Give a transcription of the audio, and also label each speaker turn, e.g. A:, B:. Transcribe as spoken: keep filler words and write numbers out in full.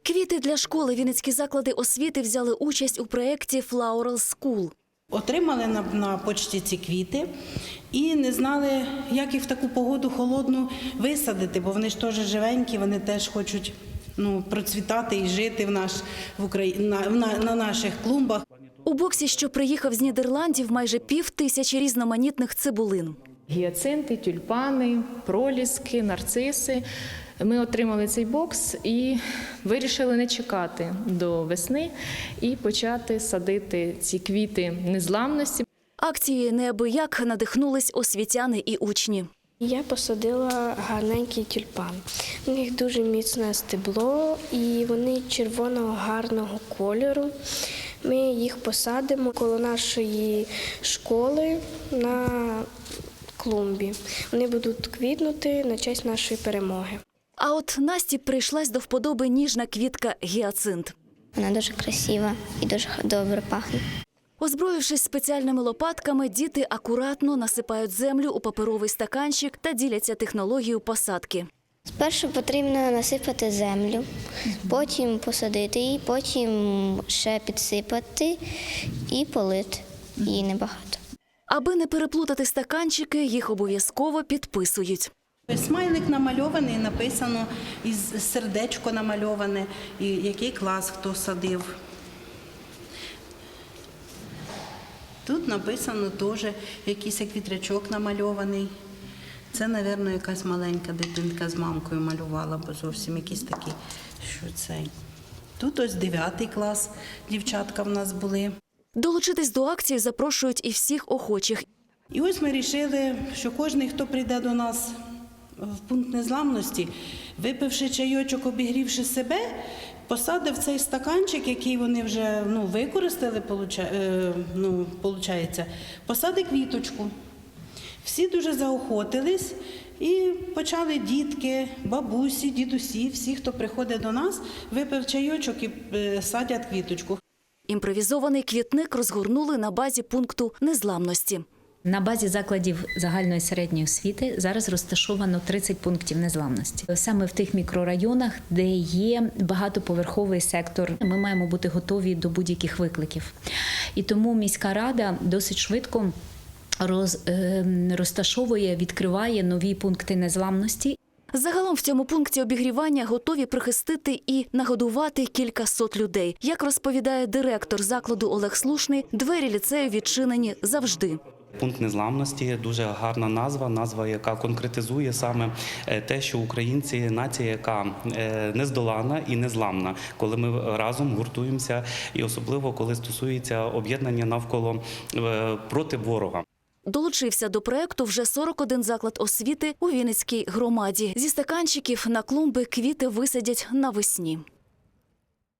A: Квіти для школи вінницькі заклади освіти взяли участь у проєкті «Floral School».
B: Отримали на, на почті ці квіти і не знали, як їх в таку погоду холодну висадити, бо вони ж теж живенькі, вони теж хочуть ну, процвітати і жити в наш, в Україні, на, на, на наших клумбах.
A: У боксі, що приїхав з Нідерландів, майже пів тисячі різноманітних цибулин.
C: Гіацинти, тюльпани, проліски, нарциси. Ми отримали цей бокс і вирішили не чекати до весни і почати садити ці квіти незламності.
A: Акцією неабияк надихнулись освітяни і учні.
D: Я посадила гарненький тюльпан. У них дуже міцне стебло і вони червоного гарного кольору. Ми їх посадимо коло нашої школи на клумбі. Вони будуть квітнути на честь нашої перемоги.
A: А от Насті прийшлась до вподоби ніжна квітка гіацинт.
E: Вона дуже красива і дуже добре пахне.
A: Озброївшись спеціальними лопатками, діти акуратно насипають землю у паперовий стаканчик та діляться технологією посадки.
E: Спершу потрібно насипати землю, потім посадити її, потім ще підсипати і полити. Її небагато.
A: Аби не переплутати стаканчики, їх обов'язково підписують.
B: Смайлик намальований, написано, із сердечко намальоване, і який клас хто садив. Тут написано теж якийсь квітрячок намальований. Це, мабуть, якась маленька дитинка з мамкою малювала, бо зовсім якісь такі, що цей. Тут ось дев'ятий клас, дівчатка в нас були.
A: Долучитись до акції запрошують і всіх охочих.
B: І ось ми вирішили, що кожен, хто прийде до нас в пункт незламності, випивши чайочок, обігрівши себе, посадив цей стаканчик, який вони вже ну, використали, ну, виходить, посадив квіточку. Всі дуже заохотились і почали дітки, бабусі, дідусі, всі, хто приходить до нас, випив чайочок і садять квіточку.
A: Імпровізований квітник розгорнули на базі пункту незламності.
F: На базі закладів загальної середньої освіти зараз розташовано тридцять пунктів незламності. Саме в тих мікрорайонах, де є багатоповерховий сектор, ми маємо бути готові до будь-яких викликів. І тому міська рада досить швидко роз, е, розташовує, відкриває нові пункти незламності.
A: Загалом в цьому пункті обігрівання готові прихистити і нагодувати кілька сот людей. Як розповідає директор закладу Олег Слушний, двері ліцею відчинені завжди.
G: Пункт незламності – дуже гарна назва, назва, яка конкретизує саме те, що українці – нація, яка нездолана і незламна, коли ми разом гуртуємося, і особливо, коли стосується об'єднання навколо проти ворога.
A: Долучився до проєкту вже сорок один заклад освіти у Вінницькій громаді. Зі стаканчиків на клумби квіти висадять навесні.